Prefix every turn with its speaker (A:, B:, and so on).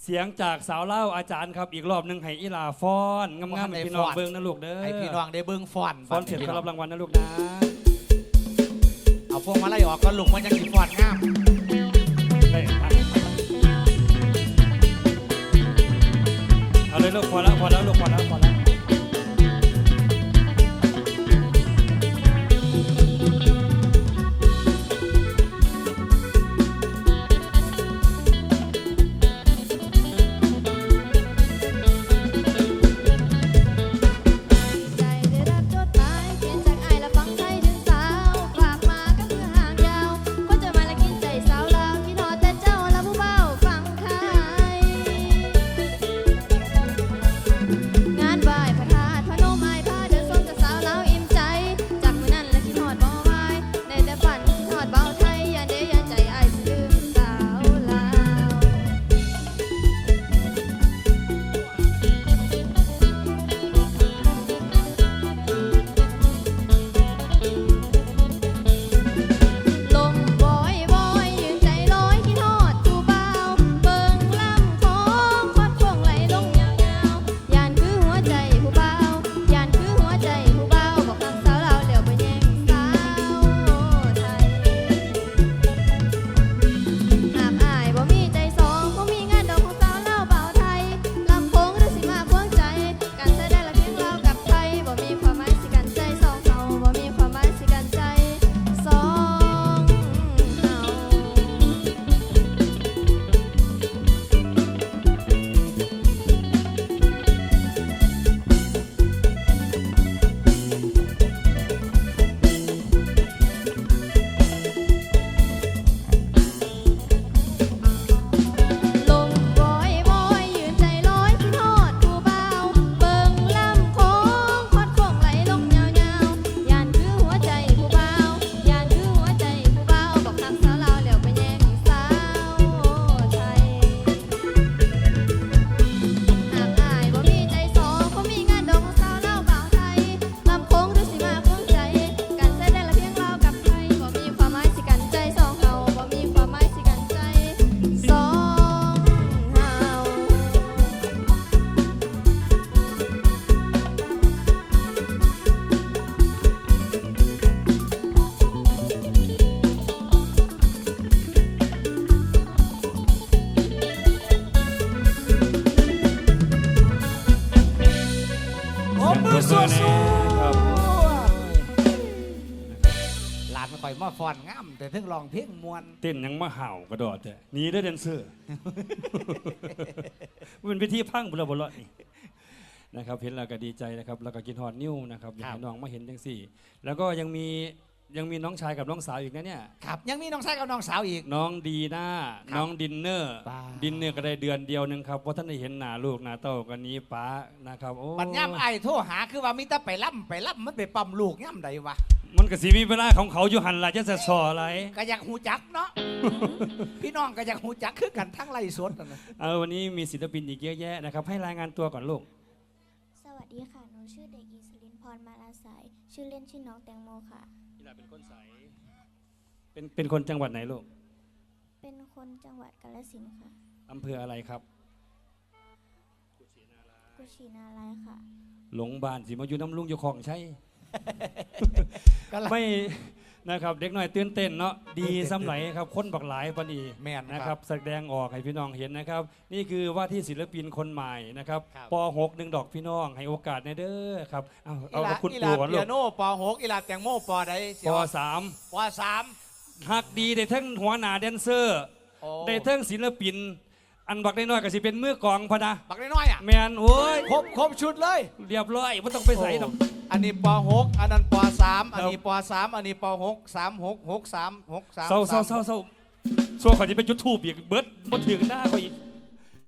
A: เสียงจากสาวเล่าอาจารย์ครับอีกรอบหนึ่งให้อีลาฟ้อนงามๆให้พี่น้องเบิ้งนะลูกเด้อ
B: ให้พี่น้องได้เบิ้งฟ้อน
A: เสร็จก็รับรางวัลนะลูกนะ
B: เอาพวงมาลัยออกก็ลุงมันยังสีฟ้อนงาม
A: เอาเลยลูกพอแล้วลูกพอแล้ว
B: หลานมันคอยมาฟ้อนงามแต่ถึงร้องเพลงมวน
A: เต้นยังมาเห่ากระโดดแต่นี่ได้แดนเซอร์เป็นพิธีพังบุรบุรนี่นะครับเห็นแล้วก็ดีใจนะครับแล้วก็กินฮอดนิ้วนะครับอยากให้น้องมาเห็นจังสี่แล้วก็ยังมีน้องชายกับน้องสาวอีกนะเนี่ย
B: ครับยังมีน้องชายกับน้องสาวอีก
A: น้องดีน่าน้องดินเนอร์ก็ได้เดือนเดียวนึงครับเพราะท่านได้เห็นหน้าลูกหน้าเต้ากันนี้ป้านะครับโอ้
B: ปัญญามไอ้โทรหาคือว่ามีแต่ไปล่ำมันไปปั๊มลูกย่ำใดวะ
A: มันก็สิมีเวลาของเขาอยู่หันละจะสออะไร
B: ก็อยากหูจักเนาะ พี่น้องก็อยากหูจักคือกันทั้งไรสดนะ
A: วันนี้มีศิลปินอีกเยอะแยะนะครับให้รายงานตัวก่อนลูก
C: สวัสดีค่ะหนูชื่อเด็กหญิงศิรินพรมาลาสายชื่อเล่นชื่อน้องแตงโมค่ะ
A: เป็นคนใสเป็นคนจังหวัดไหนลูก
C: เป็นคนจังหวัดกาฬสินธุ์ค่ะ
A: อำเภออะไรครับ
C: กุชินารายค่ะ
A: หลงบ้านสิมาอยู่น้ำลุงอยู่ของใช่ ไม่นะครับเด็กน้อยตื่นเต้นเนาะดีสำไหลครับคนบักหลายพอดี
B: แม่น
A: นะครับแสดงออกให้พี่น้องเห็นนะครับนี่คือว่าที่ศิลปินคนใหม่นะครับป.6 1 ดอกพี่น้องให้โอกาสในเด้อครับเอาคุณปู่ก่อนลูก
B: เปียโนป.6อีหลาแตงโมป.ใด
A: ป.3
B: ฮั
A: กดีได้ทั้งหัวหน้าแดนเซอร์ได้ทั้งศิลปินอันบักได้น้อยก็สิเป็นมือกองพะนะ
B: บักได้น้อยอ่ะ
A: แมนโอ้ย
B: ครบชุดเลย
A: เรียบร้อยไม่ต้องไปใส่หรอก
B: อันนี้ป.6อันนั้นป.3อันนี้ป.3อันนี้ป.6 3 6 6 3 6 3
A: เศร้าขอจะไปจุดทูบอีกเบิร์ดมาถึงหน้าเขาอีก